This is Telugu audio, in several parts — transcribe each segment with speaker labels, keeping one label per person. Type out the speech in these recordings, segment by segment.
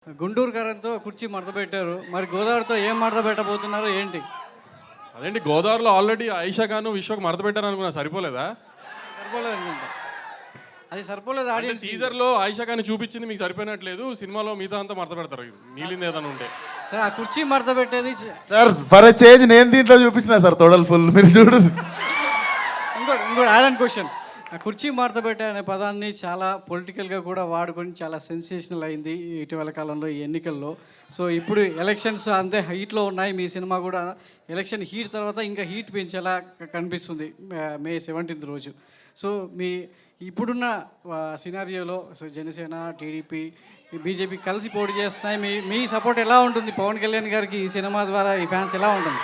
Speaker 1: గుంటూరు కరెంట్తో కుర్చీ మడత పెట్టారు. మరి గోదావరితో ఏం మడత పెట్టబోతున్నారో ఏంటి?
Speaker 2: అదేంటి గోదావరిలో ఆల్రెడీ ఆయిషా ఖాన్ విశ్వకు మడత పెట్టారు అనుకున్నా, సరిపోలేదా?
Speaker 1: సరిపోలేదు అనుకుంటా. అది సరిపోలేదు. ఆడియన్స్
Speaker 2: టీజర్ లో ఆయిషా ఖాన్ చూపించింది మీకు సరిపోయినట్లేదు, సినిమాలో మిగతా అంతా మడత పెడతారు, మిగిలింది ఏదైనా ఉంటే.
Speaker 1: సార్ ఆ కుర్చీ మడత పెట్టేది
Speaker 3: సార్ ఫర్ చేంజ్ నేను దీంట్లో చూపించిన సార్ తొడలు ఫుల్, మీరు చూడు.
Speaker 1: ఇంకోటి యాడ్ అండ్ క్వశ్చన్. ఆ కుర్చీ మడత పెట్టే అనే పదాన్ని చాలా పొలిటికల్గా కూడా వాడుకొని చాలా సెన్సేషనల్ అయింది ఇటీవల కాలంలో ఈ ఎన్నికల్లో. సో ఇప్పుడు ఎలక్షన్స్ అంతే హీట్లో ఉన్నాయి. మీ సినిమా కూడా ఎలక్షన్ హీట్ తర్వాత ఇంకా హీట్ పెంచేలా కనిపిస్తుంది మే 17th రోజు. సో మీ ఇప్పుడున్న సినారియోలో సో జనసేన, టీడీపీ, బీజేపీ కలిసి పోటీ చేస్తున్నాయి. మీ సపోర్ట్ ఎలా ఉంటుంది పవన్ కళ్యాణ్ గారికి ఈ సినిమా ద్వారా? ఈ ఫ్యాన్స్ ఎలా ఉంటుంది?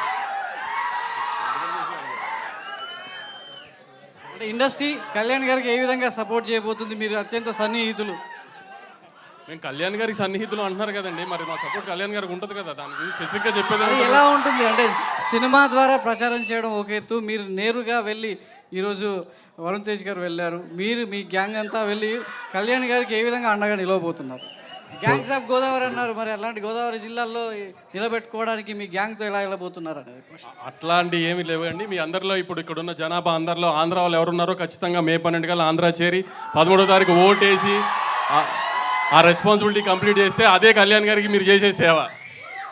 Speaker 1: అంటే ఇండస్ట్రీ కళ్యాణ్ గారికి ఏ విధంగా సపోర్ట్ చేయబోతుంది? మీరు అత్యంత సన్నిహితులు.
Speaker 2: మేము కళ్యాణ్ గారికి సన్నిహితులు అంటున్నారు కదండి, మరి మా సపోర్ట్ కళ్యాణ్ గారికి ఉంటుంది కదా, దాని గురించి స్పెసిఫిక్గా చెప్పేది
Speaker 1: అది ఎలా ఉంటుంది అంటే సినిమా ద్వారా ప్రచారం చేయడం ఒక ఎత్తు, మీరు నేరుగా వెళ్ళి ఈరోజు వరుణ్ తేజ్ గారు వెళ్ళారు, మీరు మీ గ్యాంగ్ అంతా వెళ్ళి కళ్యాణ్ గారికి ఏ విధంగా అండగా నిలవబోతున్నారు? గ్యాంగ్స్ ఆఫ్ గోదావరి అన్నారు, మరి అలాంటి గోదావరి జిల్లాల్లో నిలబెట్టుకోవడానికి మీ గ్యాంగ్తో ఎలా వెళ్ళబోతున్నారు అనేది క్వశ్చన్.
Speaker 2: అట్లాంటి ఏమి లేవండి. మీ అందరిలో ఇప్పుడు ఇక్కడ ఉన్న జనాభా అందరిలో ఆంధ్ర వాళ్ళు ఎవరున్నారో ఖచ్చితంగా మే 12 కల్లా ఆంధ్ర చేరి 13వ తారీఖు ఓటేసి ఆ రెస్పాన్సిబిలిటీ కంప్లీట్ చేస్తే అదే కళ్యాణ్ గారికి మీరు చేసే సేవ.